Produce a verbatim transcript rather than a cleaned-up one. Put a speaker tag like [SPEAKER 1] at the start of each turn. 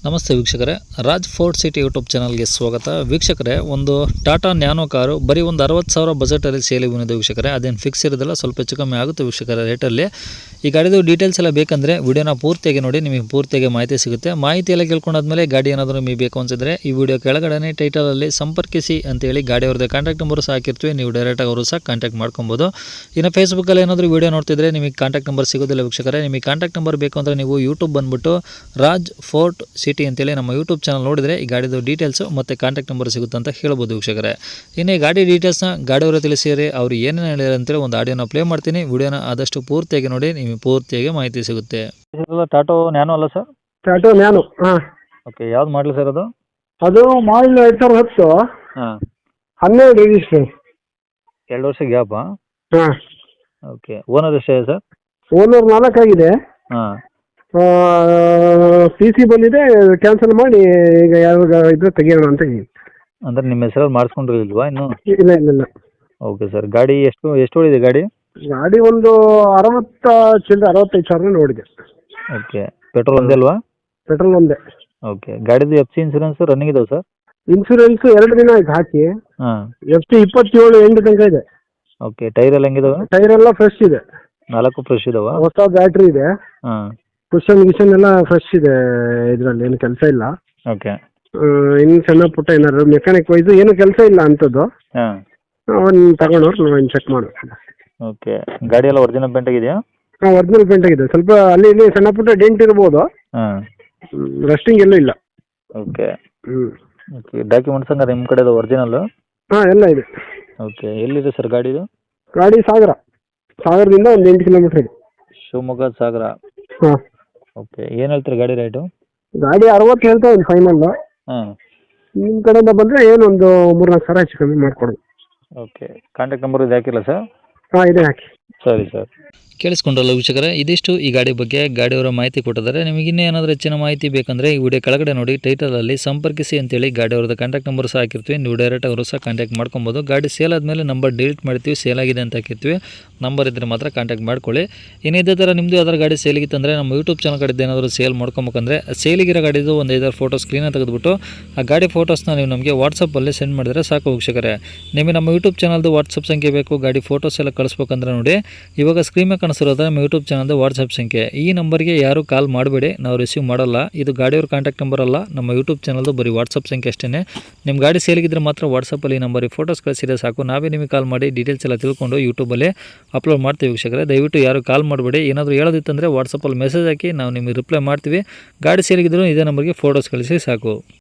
[SPEAKER 1] ನಮಸ್ತೆ ವೀಕ್ಷಕರೇ, Raj fort city YouTube ಚಾನಲ್ಗೆ ಸ್ವಾಗತ. ವೀಕ್ಷಕರೇ, ಒಂದು ಟಾಟಾ ನ್ಯಾನೋ ಕಾರು ಬರೀ ಒಂದು ಅರವತ್ತು ಸಾವಿರ ಬಜೆಟಲ್ಲಿ ಸೇಲಿಗೆ ಬಂದಿದೆ ವೀಕ್ಷಕರೇ. ಅದೇನು ಫಿಕ್ಸ್ ಇರೋದಿಲ್ಲ, ಸ್ವಲ್ಪ ಹೆಚ್ಚು ಕಮ್ಮಿ ಆಗುತ್ತೆ ವೀಕ್ಷಕರ ರೇಟಲ್ಲಿ. ಈ ಗಾಡಿದು ಡೀಟೇಲ್ಸ್ ಎಲ್ಲ ಬೇಕಂದರೆ ವಿಡಿಯೋನ ಪೂರ್ತಿಯಾಗಿ ನೋಡಿ, ನಿಮಗೆ ಪೂರ್ತಿಯಾಗಿ ಮಾಹಿತಿ ಸಿಗುತ್ತೆ. ಮಾಹಿತಿ ಎಲ್ಲ ಕೇಳ್ಕೊಂಡಾದ್ಮೇಲೆ ಗಾಡಿ ಏನಾದರೂ ನಿಮಗೆ ಬೇಕು ಅನಿಸಿದ್ರೆ ಈ ವಿಡಿಯೋ ಕೆಳಗಡೆ ಟೈಟಲಲ್ಲಿ ಸಂಪರ್ಕಿಸಿ ಅಂತೇಳಿ ಗಾಡಿ ಅವ್ರದ್ದು ಕಾಂಟ್ಯಾಕ್ಟ್ ನಂಬರ್ ಸಹ ಹಾಕಿರ್ತೀವಿ. ನೀವು ಡೈರೆಕ್ಟಾಗಿ ಅವರು ಸಹ ಕಾಂಟ್ಯಾಕ್ಟ್ ಮಾಡ್ಕೊಬೋದು. ಇನ್ನು ಫೇಸ್ಬುಕ್ಕಲ್ಲಿ ಏನಾದರೂ ವಿಡಿಯೋ ನೋಡ್ತಿದ್ರೆ ನಿಮಗೆ ಕಾಂಟ್ಯಾಕ್ಟ್ ನಂಬರ್ ಸಿಗೋದಿಲ್ಲ ವೀಕ್ಷಕರೇ. ನಿಮಗೆ ಕಾಂಟ್ಯಾಕ್ಟ್ ನಂಬರ್ ಬೇಕು ಅಂದರೆ ನೀವು ಯೂಟ್ಯೂಬ್ ಬಂದುಬಿಟ್ಟು ರಾಜ್ ಫೋರ್ಟ್ ಸಿಟಿ ಅಂತೇಳಿ ನಮ್ಮ ಯೂಟ್ಯೂಬ್ ಚಾನಲ್ ನೋಡಿದರೆ ಈ ಗಾಡಿದು ಡೀಟೇಲ್ಸು ಮತ್ತು ಕಾಂಟ್ಯಾಕ್ಟ್ ನಂಬರ್ ಸಿಗುತ್ತೆ ಅಂತ ಹೇಳ್ಬೋದು ವೀಕ್ಷಕರೇ. ಇನ್ನು ಈ ಗಾಡಿ ಡೀಟೇಲ್ಸ್ನ ಗಾಡಿಯವರು ತಿಳಿಸಿರಿ, ಅವರು ಏನೇನು ಹೇಳಿದ್ರು ಅಂತೇಳಿ ಒಂದು ಆಡಿಯೋನ ಪ್ಲೇ ಮಾಡ್ತೀನಿ. ವಿಡಿಯೋನ ಆದಷ್ಟು ಪೂರ್ತಿಯಾಗಿ ನೋಡಿ, ನಿಮಗೆ ಪೂರ್ತಿಯಾಗಿ ಮಾಹಿತಿ ಸಿಗುತ್ತೆ. ಟಾಟೋ ನ್ಯಾನೋ ಅಲ್ಲ ಸರ್?
[SPEAKER 2] ಟಾಟೋ ನ್ಯಾನೋ. ಹಾಂ,
[SPEAKER 1] ಓಕೆ. ಯಾವ್ದು ಮಾಡಲಿ ಸರ್ ಅದು?
[SPEAKER 2] ಅದು ಮಾಡಲ್ ಎರಡು ಸಾವಿರದ ಹತ್ತು.
[SPEAKER 1] ಹಾಂ,
[SPEAKER 2] ಹನ್ನೆರಡು ರಿಜಿಸ್ಟ್ರೇಷನ್.
[SPEAKER 1] ಎರಡು ವರ್ಷ ಗ್ಯಾಪಾ?
[SPEAKER 2] ಹಾಂ.
[SPEAKER 1] ಓಕೆ. ಓನರ್ ಎಷ್ಟಿದೆ ಸರ್?
[SPEAKER 2] ಓನರ್ ನಾಲ್ಕಾಗಿದೆ.
[SPEAKER 1] ಹಾಂ.
[SPEAKER 2] ಪಿ ಸಿ ಬಂದಿದೆ, ಕ್ಯಾನ್ಸಲ್ ಮಾಡಿ ಈಗ ಯಾವಾಗ ಇದ್ರೆ ತೆಗಿಯೋಣ ಅಂತ ಹೇಳಿ.
[SPEAKER 1] ಅಂದರೆ ನಿಮ್ಮ ಹೆಸರಲ್ಲಿ ಮಾಡಿಸ್ಕೊಂಡಿರಲಿಲ್ವಾ ಇನ್ನು?
[SPEAKER 2] ಇಲ್ಲ ಇಲ್ಲ ಇಲ್ಲ.
[SPEAKER 1] Okay sir. ಗಾಡಿ ಎಷ್ಟು ಎಷ್ಟು ಓಡಿದೆ ಗಾಡಿ?
[SPEAKER 2] ಗಾಡಿ ಒಂದು ಅರವತ್ತ ಚಿಲ್ಲರೆ ಅರವತ್ತೈದು ಸಾವಿರ ನೋಡಿದೆ.
[SPEAKER 1] ಓಕೆ. ಪೆಟ್ರೋಲ್ ಒಂದೇ ಅಲ್ವಾ?
[SPEAKER 2] ಪೆಟ್ರೋಲ್ ಒಂದೇ.
[SPEAKER 1] ಓಕೆ. ಗಾಡಿದು ಎಫ್ ಸಿ ಇನ್ಸೂರೆನ್ಸ್ ರನ್ನಿಂಗ್ ಇದಾವೆ ಸರ್?
[SPEAKER 2] ಇನ್ಸೂರೆನ್ಸ್ ಎರಡು ದಿನ ಆಯ್ತು ಹಾಕಿ.
[SPEAKER 1] ಹಾಂ.
[SPEAKER 2] ಎಫ್ ಸಿ ಇಪ್ಪತ್ತೇಳು ಎಂಟು ತನಕ ಇದೆ.
[SPEAKER 1] ಓಕೆ. ಟೈರ್ ಎಲ್ಲ ಹೆಂಗಿದಾವೆ?
[SPEAKER 2] ಟೈರ್ ಎಲ್ಲ ಫ್ರೆಶ್ ಇದೆ.
[SPEAKER 1] ನಾಲ್ಕು ಫ್ರೆಶ್ ಇದಾವ?
[SPEAKER 2] ಹೊಸ ಬ್ಯಾಟ್ರಿ ಇದೆ.
[SPEAKER 1] ಹಾಂ.
[SPEAKER 2] ಕುಷನ್ ಗಿಷನ್ ಎಲ್ಲ ಫ್ರೆಶ್ ಇದೆ, ಇದರಲ್ಲಿ ಏನು ಕೆಲಸ ಇಲ್ಲ.
[SPEAKER 1] ಓಕೆ.
[SPEAKER 2] ಇನ್ನು ಸಣ್ಣ ಪುಟ್ಟ ಏನಾದ್ರು ಮೆಕ್ಯಾನಿಕ್ ವೈಸು ಏನು ಕೆಲಸ ಇಲ್ಲ ಅಂಥದ್ದು.
[SPEAKER 1] ಹಾಂ.
[SPEAKER 2] ಅವನು ತಗೊಂಡವ್ರು ನಾವು ಚೆಕ್ ಮಾಡು.
[SPEAKER 1] ಓಕೆ. ಗಾಡಿ ಎಲ್ಲ ಒರಿಜಿನಲ್ ಪೇಂಟ್ ಆಗಿದೆಯಾ?
[SPEAKER 2] ಹಾಂ, ಒರಿಜಿನಲ್ ಪೇಂಟ್ ಆಗಿದೆ. ಸ್ವಲ್ಪ ಅಲ್ಲಿ ಇಲ್ಲಿ ಸಣ್ಣ ಪುಟ್ಟ ಡೆಂಟ್ ಇರ್ಬೋದು.
[SPEAKER 1] ಹಾಂ.
[SPEAKER 2] ರಸ್ಟಿಂಗ್ ಎಲ್ಲೂ ಇಲ್ಲ.
[SPEAKER 1] ಓಕೆ.
[SPEAKER 2] ಹ್ಞೂ.
[SPEAKER 1] ಓಕೆ. ಡಾಕ್ಯುಮೆಂಟ್ಸ್ ಹಂಗಾರೆ ನಿಮ್ಮ ಕಡೆದು ಒರಿಜಿನಲ್ಲು?
[SPEAKER 2] ಹಾಂ, ಎಲ್ಲ ಇದೆ.
[SPEAKER 1] ಓಕೆ. ಎಲ್ಲಿದೆ ಸರ್ ಗಾಡಿದು?
[SPEAKER 2] ಗಾಡಿ ಸಾಗರ. ಸಾಗರದಿಂದ ಒಂದು ಎಂಟು ಕಿಲೋಮೀಟ್ರ್ ಇದೆ.
[SPEAKER 1] ಶಿವಮೊಗ್ಗ ಸಾಗರ.
[SPEAKER 2] ಹಾಂ.
[SPEAKER 1] ಓಕೆ. ಏನು ಹೇಳ್ತೀರಿ ಗಾಡಿ ರೇಟು?
[SPEAKER 2] ಗಾಡಿ ಅರವತ್ತು ಹೇಳ್ತಾ ಒಂದು ಫೈನಲ್.
[SPEAKER 1] ಹಾಂ.
[SPEAKER 2] ನಿಮ್ಮ ಕಡೆಯಿಂದ ಬಂದರೆ ಏನು ಒಂದು ಮೂರು ನಾಲ್ಕು ಸಾವಿರ ಹೆಚ್ಚು ಕಮ್ಮಿ ಮಾಡಿಕೊಡೋದು.
[SPEAKER 1] ಓಕೆ. ಕಾಂಟ್ಯಾಕ್ಟ್ ನಂಬರ್ ಇದು ಹಾಕಿಲ್ಲ ಸರ್?
[SPEAKER 2] ಹಾಂ, ಇದೆ ಹಾಕಿ.
[SPEAKER 1] ಸರಿ ಸರ್. ಕೇಳಿಸ್ಕೊಂಡ್ರಲ್ಲ ವೀಕ್ಷಕರೇ, ಇದಿಷ್ಟು ಈ ಗಾಡಿ ಬಗ್ಗೆ ಗಾಡಿಯವರ ಮಾಹಿತಿ ಕೊಟ್ಟಿದ್ದಾರೆ. ನಿಮಗೆ ಇನ್ನೂ ಏನಾದರೂ ಹೆಚ್ಚಿನ ಮಾಹಿತಿ ಬೇಕಂದರೆ ಈ ವಿಡಿಯೋ ಕೆಳಗಡೆ ನೋಡಿ ಟೈಟಲಲ್ಲಿ ಸಂಪರ್ಕಿಸಿ ಅಂತೇಳಿ ಗಾಡಿ ಅವ್ರದ್ದು ಕಾಂಟ್ಯಾಕ್ಟ್ ನಂಬರ್ ಸಹ ಹಾಕಿರ್ತೀವಿ. ನೀವು ಡೈರೆಕ್ಟ್ ಅವರು ಸಹ ಕಾಂಟ್ಯಾಕ್ಟ್ ಮಾಡ್ಕೊಬೋದು. ಗಾಡಿ ಸೇಲ್ ಆದಮೇಲೆ ನಂಬರ್ ಡಿಲೀಟ್ ಮಾಡ್ತೀವಿ, ಸೇಲ್ ಆಗಿದೆ ಅಂತ ಹಾಕಿರ್ತೀವಿ. ನಂಬರ್ ಇದ್ದರೆ ಮಾತ್ರ ಕಾಂಟ್ಯಾಕ್ಟ್ ಮಾಡ್ಕೊಳ್ಳಿ. ಇನ್ನು ಇದೇ ಥರ ನಿಮ್ಮದು ಯಾವ್ದಾರು ಗಾಡಿ ಸೇಲಿಗಿತ್ತಂದರೆ ನಮ್ಮ ಯೂಟ್ಯೂಬ್ ಚಾನಲ್ ಕಡೆದು ಏನಾದರೂ ಸೇಲ್ ಮಾಡ್ಕೊಬೇಕಂದ್ರೆ ಸೇಲಿಗಿರೋ ಗಾಡಿದು ಒಂದು ಐದಾರು ಫೋಟೋ ಸ್ಕ್ರೀನ ತೆಗೆದುಬಿಟ್ಟು ಆ ಗಾಡಿ ಫೋಟೋಸ್ನ ನೀವು ನಮಗೆ ವಾಟ್ಸಪ್ಪಲ್ಲಿ ಸೆಂಡ್ ಮಾಡಿದರೆ ಸಾಕು ವೀಕ್ಷಕರೇ. ನಿಮಗೆ ನಮ್ಮ ಯೂಟ್ಯೂಬ್ ಚಾನಲ್ದು ವಾಟ್ಸಪ್ ಸಂಖ್ಯೆ ಬೇಕು, ಗಾಡಿ ಫೋಟೋಸ್ ಎಲ್ಲ ಕಳಿಸ್ಬೇಕಂದ್ರೆ ನೋಡಿ ಇವಾಗ ಸ್ಕ್ರೀನ್ ಮೇಲೆ ಕಾಣಿಸಿರೋದು ನಮ್ಮ ಯೂಟ್ಯೂಬ್ ಚಾನಲ್ದು ವಾಟ್ಸಪ್ ಸಂಖ್ಯೆ. ಈ ನಂಬರ್ಗೆ ಯಾರು ಕಾಲ್ ಮಾಡಬೇಡಿ, ನಾವು ರಿಸೀವ್ ಮಾಡಲ್ಲ. ಇದು ಗಾಡಿಯವ್ರ ಕಾಂಟ್ಯಾಕ್ಟ್ ನಂಬರ್ ಅಲ್ಲ, ನಮ್ಮ ಯೂಟ್ಯೂಬ್ ಚಾನಲ್ದು ಬರೀ ವಾಟ್ಸಪ್ ಸಂಖ್ಯೆ ಅಷ್ಟೇ. ನಿಮ್ಮ ಗಾಡಿ ಸೇಲಿಗಿದ್ರೆ ಮಾತ್ರ ವಾಟ್ಸಪ್ಪಲ್ಲಿ ಈ ನಂಬರಿಗೆ ಫೋಟೋಸ್ ಕಳಿಸಿದ್ರೆ ಸಾಕು, ನಾವೇ ನಿಮಗೆ ಕಾಲ್ ಮಾಡಿ ಡೀಟೇಲ್ಸ್ ಎಲ್ಲ ತಿಳ್ಕೊಂಡು ಯೂಟ್ಯೂಬಲ್ಲಿ ಅಪ್ಲೋಡ್ ಮಾಡ್ತೀವಿ ವೀಕ್ಷಕರೇ. ದಯವಿಟ್ಟು ಯಾರು ಕಾಲ್ ಮಾಡಬೇಡಿ. ಏನಾದರೂ ಹೇಳೋದಿತ್ತಂದರೆ ವಾಟ್ಸಪ್ಪಲ್ಲಿ ಮೆಸೇಜ್ ಹಾಕಿ ನಾವು ನಿಮಗೆ ರಿಪ್ಲೈ ಮಾಡ್ತೀವಿ. ಗಾಡಿ ಸೇಲಿಗಿದ್ರು ಇದೇ ನಂಬರ್ಗೆ ಫೋಟೋಸ್ ಕಳಿಸಿ ಸಾಕು.